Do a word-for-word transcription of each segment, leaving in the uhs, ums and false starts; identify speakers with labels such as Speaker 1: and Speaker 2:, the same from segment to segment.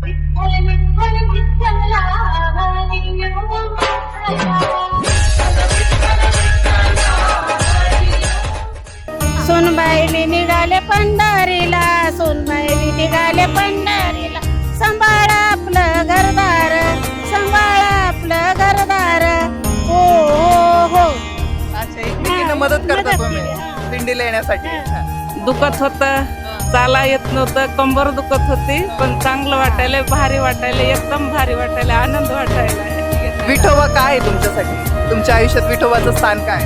Speaker 1: सोनबाईने निघाले पंढरीला, सोनबाईने निघाले पंढरीला, सांभाळा आपलं घरदार, सांभाळा आपलं घरदार. हो हो हो.
Speaker 2: अच्छा, एकमेकींना मदत करता तुम्ही दिंडीला येण्यासाठी.
Speaker 3: दुखत होतं, चाला येत नव्हतं, कंबर दुखत होती, पण चांगलं वाटायला, भारी वाटायला, एकदम भारी वाटायला, आनंद वाटायला.
Speaker 2: विठोबा काय आहे तुमच्यासाठी? तुमच्या आयुष्यात विठोबाचं स्थान काय?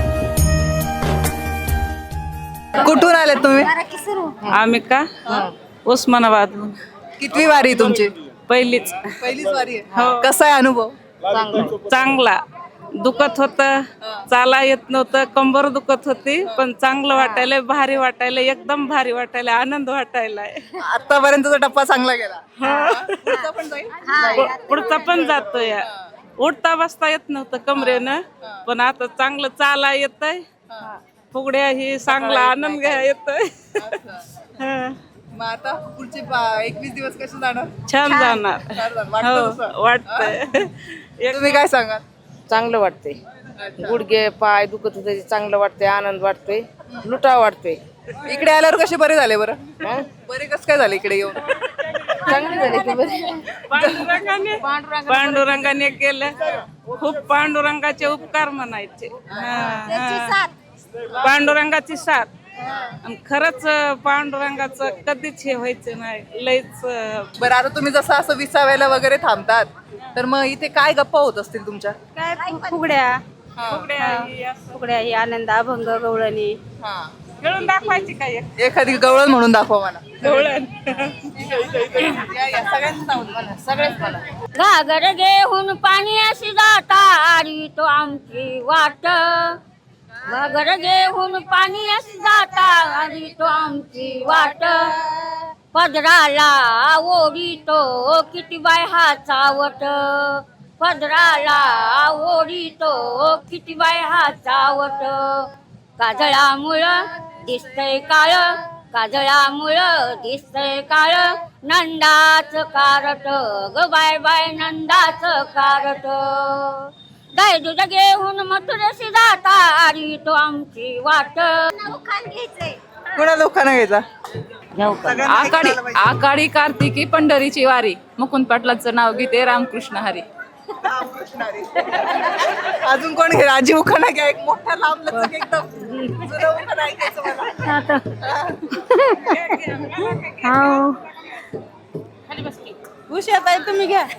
Speaker 2: कुठून आले तुम्ही?
Speaker 3: आम्ही का उस्मानाबाद.
Speaker 2: कितवी वारी आहे तुमची?
Speaker 3: पहिलीच.
Speaker 2: पहिलीच वारी आहे. कसा आहे अनुभव?
Speaker 3: चांगला. दुखत होतं, चाला येत नव्हतं, कंबर दुखत होती, पण चांगलं वाटायला, भारी वाटायला, एकदम भारी वाटायला, आनंद वाटायला.
Speaker 2: आतापर्यंतचा टप्पा चांगला गेला. पुढचा पण जाईल?
Speaker 3: पुढचा पण जातोय. उठता बसता येत नव्हतं कमरेनं, पण आता चांगलं चाला येतंय, फुगड्या ही चांगला आनंद घ्या येतोय.
Speaker 2: मग आता पुढचे एकवीस दिवस कसे जाणार?
Speaker 3: छान जाणार. हो, वाटतंय.
Speaker 2: तुम्ही काय सांगाल?
Speaker 4: चांगलं वाटतंय. गुडघे पाय दुखत होते, चांगलं वाटतंय, आनंद वाटतोय, लुटाव वाटतोय.
Speaker 2: इकडे आल्यावर कसे बरे झाले बरं? बरे कसं काय झाले इकडे येऊन?
Speaker 4: चांगले झाले की बरे.
Speaker 3: पांडुरंगाने पांडुरंगाने केलं, खूप पांडुरंगाचे उपकार म्हणायचे. पांडुरंगाची साथ. आणि खरंच पांडुरंगाचं कधीच हे व्हायचं नाही, लयच.
Speaker 2: बरं, आता तुम्ही जसं असं विसाव्याला वगैरे थांबतात, तर मग इथे काय गप्पा होत असतील तुमच्या?
Speaker 1: काय फुगड्या
Speaker 3: फुगड्या
Speaker 1: फुगड्या ही आनंद अभंग गवळणी
Speaker 3: खेळून दाखवायची काय
Speaker 2: एखादी गवळण म्हणून दाखवा मला.
Speaker 3: गवळण.
Speaker 4: सगळेच मला.
Speaker 1: घागर घेऊन पाणी अशी जाता आरी तो आमची वाट, घागर घेऊन पाणी अशी जाता आरी तो आमची वाट, पदराला ओढी तो किती बाय हा चावट, पदराला ओढी तो किती बाय हा चावट, काजळामुळं दिसतंय काळ, काजळामुळं दिसतंय काळ, नंदाच कारट ग बाय बाय नंदाच कारट, गाय दूध घेऊन मथुरेशी जाता आरी तो आमची वाट.
Speaker 2: कोणा लोकांना घ्यायचा?
Speaker 5: आकाडी आकाडी कार्तिकी पंढरीची वारी, मुकुंद पाटलांचं नाव घेते, रामकृष्ण हरी.
Speaker 2: अजून कोण घे? राजी उखाणा घ्या, एक मोठा लांब लचक एकदम जुना उखाणा ऐकायचं मला.
Speaker 1: उशात आहे तुम्ही घ्या.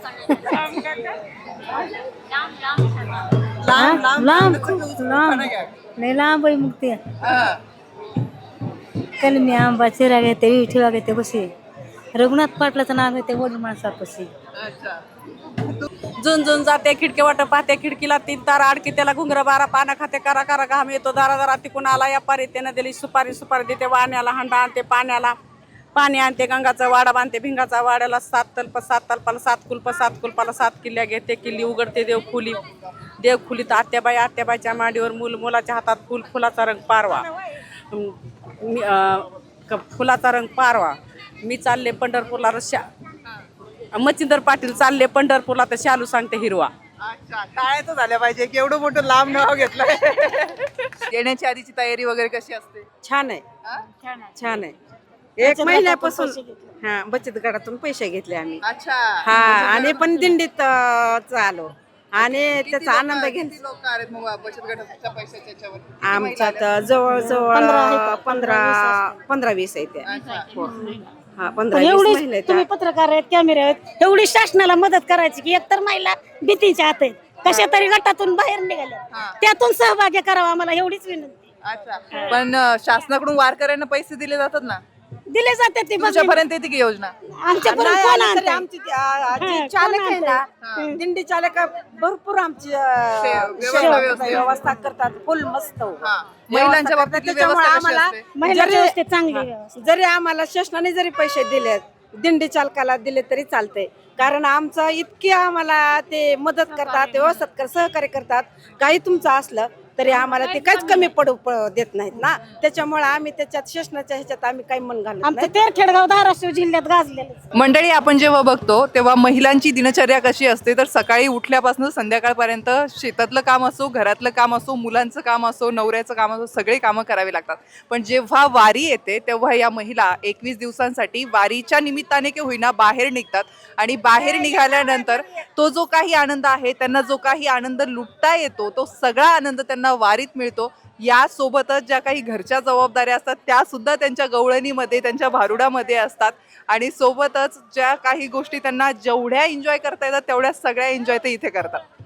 Speaker 2: लांब लांब
Speaker 1: लांब,
Speaker 2: लचक
Speaker 1: खूप
Speaker 2: उखाणा
Speaker 1: लांब.
Speaker 2: घ्या.
Speaker 1: लय लांब आहे मग ते.
Speaker 2: हा.
Speaker 1: कलमी आंबा चिरा घेते, विठीवा घेते कशी, रघुनाथ पाटलाचं नाव घेते, वडील माणसापाशी.
Speaker 2: अच्छा.
Speaker 3: जुन जुन जाते खिडकी वाट पाहते, खिडकीला तीन तारा अडकी, त्याला घुंगर बारा, पाना खाते, करा करा घाम येतो, दारा दारा तिकून आला या पारी, त्यानं दिली सुपारी, सुपारी देते वाण्याला, हंडा आणते पाण्याला, पाणी आणते गंगाचा वाडा बांधते भिंगाचा वाड्याला, सात तल्प सात तल्पाला सात कुल्प, सात कुल्पाला सात किल्ल्या घेते, किल्ली उघडते देवखुली, देवखुलीत आत्याबाई, आत्याबाईच्या मांडीवर मूल, मुलाच्या हातात फुल, फुलाचा रंग पारवा, मी फुलाचा रंग पारवा, मी चालले पंढरपूरला रश्या, मच्छिंदर पाटील चालले पंढरपूरला, तर शालू सांगते हिरवा.
Speaker 2: अच्छा, टाळ्या तर झाल्या पाहिजे, केवढं मोठं लांब नाव घेतलं. येण्याची आधीची तयारी वगैरे कशी असते?
Speaker 6: छान आहे, छान आहे. एक महिन्यापासून हा बचत गटातून पैसे घेतले आम्ही.
Speaker 2: अच्छा.
Speaker 6: हा, आणि पण दिंडीत अं, चालू आणि
Speaker 2: किती
Speaker 6: त्याचा
Speaker 2: लोकं-
Speaker 6: आनंद घेत.
Speaker 2: किती लोक आहेत मग बचत गटाच्या पैशाच्या याच्यावर? किती महिला
Speaker 6: आमच्यात
Speaker 2: आल्या?
Speaker 6: जवळजवळ पंधरा पंधरा वीस आहे त्या.
Speaker 2: अच्छा.
Speaker 6: हो. हा, पंधरा वीस
Speaker 1: एवढी
Speaker 6: महिला आहेत
Speaker 1: तुम्ही
Speaker 6: त्या.
Speaker 1: पत्रकार आहेत, कॅमेरे आहेत, एवढी शासनाला मदत करायची की एकतर महिला भीतीच्या हात आहेत, कशा तरी गटातून बाहेर निघाल्या, त्यातून सहभागी करावा आम्हाला, एवढीच विनंती.
Speaker 2: अच्छा, पण अं, शासनाकडून वारकऱ्यांना पैसे दिले जातात ना,
Speaker 1: दिले जाते ते
Speaker 2: तुमच्यापर्यंत येते की योजना?
Speaker 1: आमच्यापर्यंत
Speaker 6: नाही
Speaker 1: कोण
Speaker 6: आली तरी
Speaker 1: आणतंय?
Speaker 6: आमची ती, आ, जी
Speaker 1: हा,
Speaker 6: चालक
Speaker 1: कोण
Speaker 6: आहे ना, दिंडी चालक भरपूर आमची अं,
Speaker 2: व्यवस्था-
Speaker 6: सेवा-
Speaker 2: व्यवस्था.
Speaker 6: व्यवस्था करतात, फुल मस्त.
Speaker 2: हा. महिलांच्या बाबतीतली
Speaker 6: त्याच्यामुळे
Speaker 2: व्यवस्था कशी
Speaker 6: आम्हाला
Speaker 2: असते?
Speaker 1: महिलाच्या
Speaker 6: जरी-
Speaker 1: व्यवस्थेत चांगली व्यवस्था.
Speaker 6: जरी आम्हाला शासनाने जरी पैसे दिले, दिंडी चालकाला दिले तरी चालते, कारण आमचं इतकी आम्हाला ते मदत करतात, व्यवस्थित कर सहकार्य करतात. काही तुमचं असलं तरी आम्हाला ते काहीच कमी पडू प- देत नाहीत ना, त्याच्यामुळे आम्ही त्याच्यात शासनाच्या ह्याच्यात आम्ही काही मन घालत
Speaker 1: आमचं
Speaker 6: नाही.
Speaker 1: तेरखेडगाव धाराशिव जिल्ह्यात गाजलेलं.
Speaker 2: मंडळी, आपण जेव्हा बघतो तेव्हा महिलांची दिनचर्या कशी असते, तर सकाळी उठल्यापासून संध्याकाळपर्यंत शेतातलं काम असो, घरातलं काम असो, मुलांचं काम असो, नवऱ्याचं काम असो, सगळे कामं करावी लागतात. पण जेव्हा वारी येते तेव्हा या महिला एकवीस दिवसांसाठी वारीच्या निमित्ताने की होईना बाहेर निघतात आणि बाहेर निघाल्यानंतर तो जो काही आनंद आहे, त्यांना जो काही आनंद लुटता येतो, तो सगळा आनंद त्यांना वारीत मिळतो. यासोबतच ज्या काही घरच्या जबाबदाऱ्या असतात त्या सुद्धा त्यांच्या गवळणीमध्ये, त्यांच्या भारुडामध्ये असतात आणि सोबतच ज्या काही गोष्टी त्यांना जेवढ्या एन्जॉय करता येतात तेवढ्या सगळ्या एन्जॉय ते इथे करतात.